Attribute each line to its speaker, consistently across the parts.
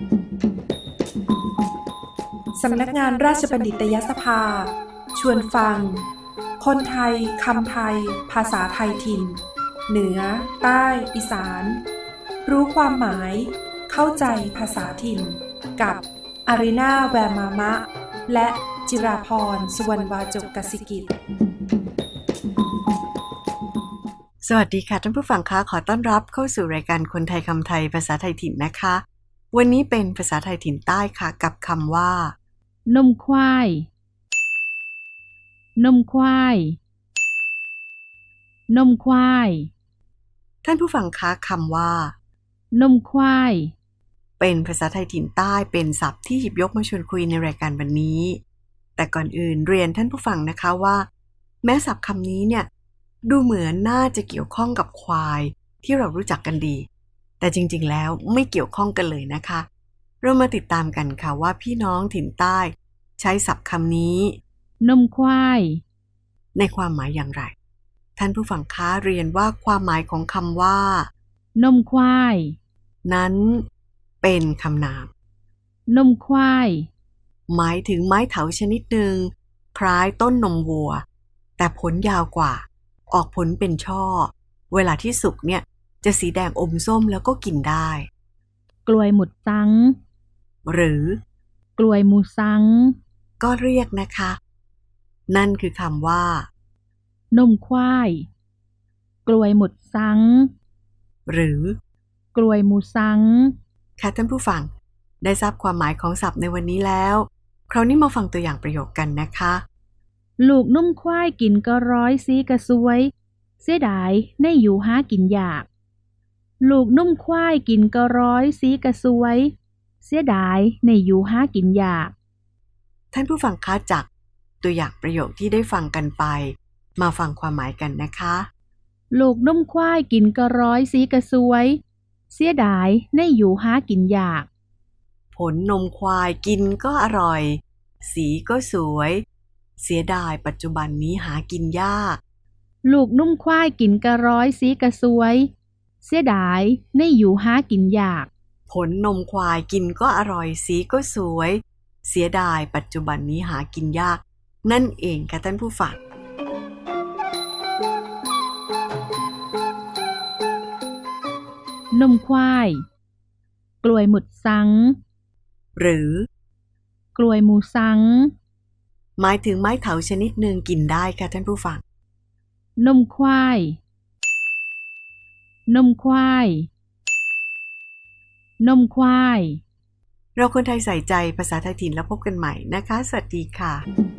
Speaker 1: สำนักงานราชบัณฑิตยสภาชวนฟังคนไทยคำไทยภาษาไทยถิ่นเหนือใต้อีสานรู้ความหมายเข้าใจภาษาถิ่นกับอารีนาแวร์มามะและจิราพรสุวรรณวาจกกสิกิจ
Speaker 2: สวัสดีค่ะท่านผู้ฟังคะขอต้อนรับเข้าสู่รายการคนไทยคำไทยภาษาไทยถิ่นนะคะวันนี้เป็นภาษาไทยถิ่นใต้ค่ะกับคำว่านมควายนมควายนมควายท่านผู้ฟังคะคำว่านมควายเป็นภาษาไทยถิ่นใต้เป็นศัพท์ที่หยิบยกมาชวนคุยในรายการวันนี้แต่ก่อนอื่นเรียนท่านผู้ฟังนะคะว่าแม้ศัพท์คำนี้เนี่ยดูเหมือนน่าจะเกี่ยวข้องกับควายที่เรารู้จักกันดีแต่จริงๆแล้วไม่เกี่ยวข้องกันเลยนะคะเรามาติดตามกันค่ะว่าพี่น้องถิ่นใต้ใช้ศัพท์คำนี้นมควายในความหมายอย่างไรท่านผู้ฟังคะเรียนว่าความหมายของคำว่านมควายนั้นเป็นคำนามนมควายหมายถึงไม้เถาชนิดหนึ่งคล้ายต้นนมวัวแต่ผลยาวกว่าออกผลเป็นช่อเวลาที่สุกเนี่ยจะสีแดงอมส้มแล้วก็กินได้กล้วยหมุดซังหรือกล้วยมูซังก็เรียกนะคะนั่นคือคำว่านมควายกล้วยหมุดซังหรือกล้วยมูซังค่ะท่านผู้ฟังได้ทราบความหมายของศัพท์ในวันนี้แล้วคราวนี้มาฟังตัวอย่างประโยคกันนะคะลูกนุ่มควายกินก็ร้อยซีกระซวยเสียดายในอยู่หากินยากลูกนุ่มควายกินก็ร้อยซีกระซวยเสียดายในอยู่หากินยากท่านผู้ฟังคะจากตัวอย่างประโยคที่ได้ฟังกันไปมาฟังความหมายกันนะคะลูกนุ่มควายกินก็ร้อยซีกระซวยเสียดายในอยู่หากินยากผลนมควายกินก็อร่อยสีก็สวยเสียดายปัจจุบันนี้หากินยากลูกนุ่มควายกินกระร้อยสีกระซวยเสียดายในอยู่หากินยากผลนมควายกินก็อร่อยสีก็สวยเสียดายปัจจุบันนี้หากินยากนั่นเองค่ะท่านผู้ฟังนมควายกล้วยหมุดซังหรือกล้วยมูซังหมายถึงไม้เถาชนิดหนึ่งกินได้ค่ะท่านผู้ฟังนมควายนมควายนมควายเราคนไทยใส่ใจภาษาไทยถิ่นแล้วพบกันใหม่นะคะสวัสดีค่ะ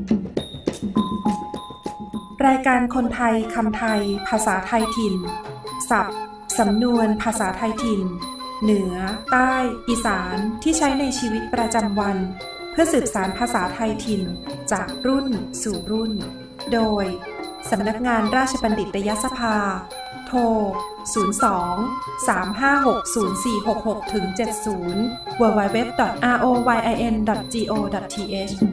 Speaker 1: รายการคนไทยคำไทยภาษาไทยถิ่นศัพท์สำนวนภาษาไทยถิ่นเหนือใต้อีสานที่ใช้ในชีวิตประจำวันเพื่อสืบสานภาษาไทยถิ่นจากรุ่นสู่รุ่นโดยสำนักงานราชบัณฑิตยสภาโทร 02-356-0466-70 www.royin.go.th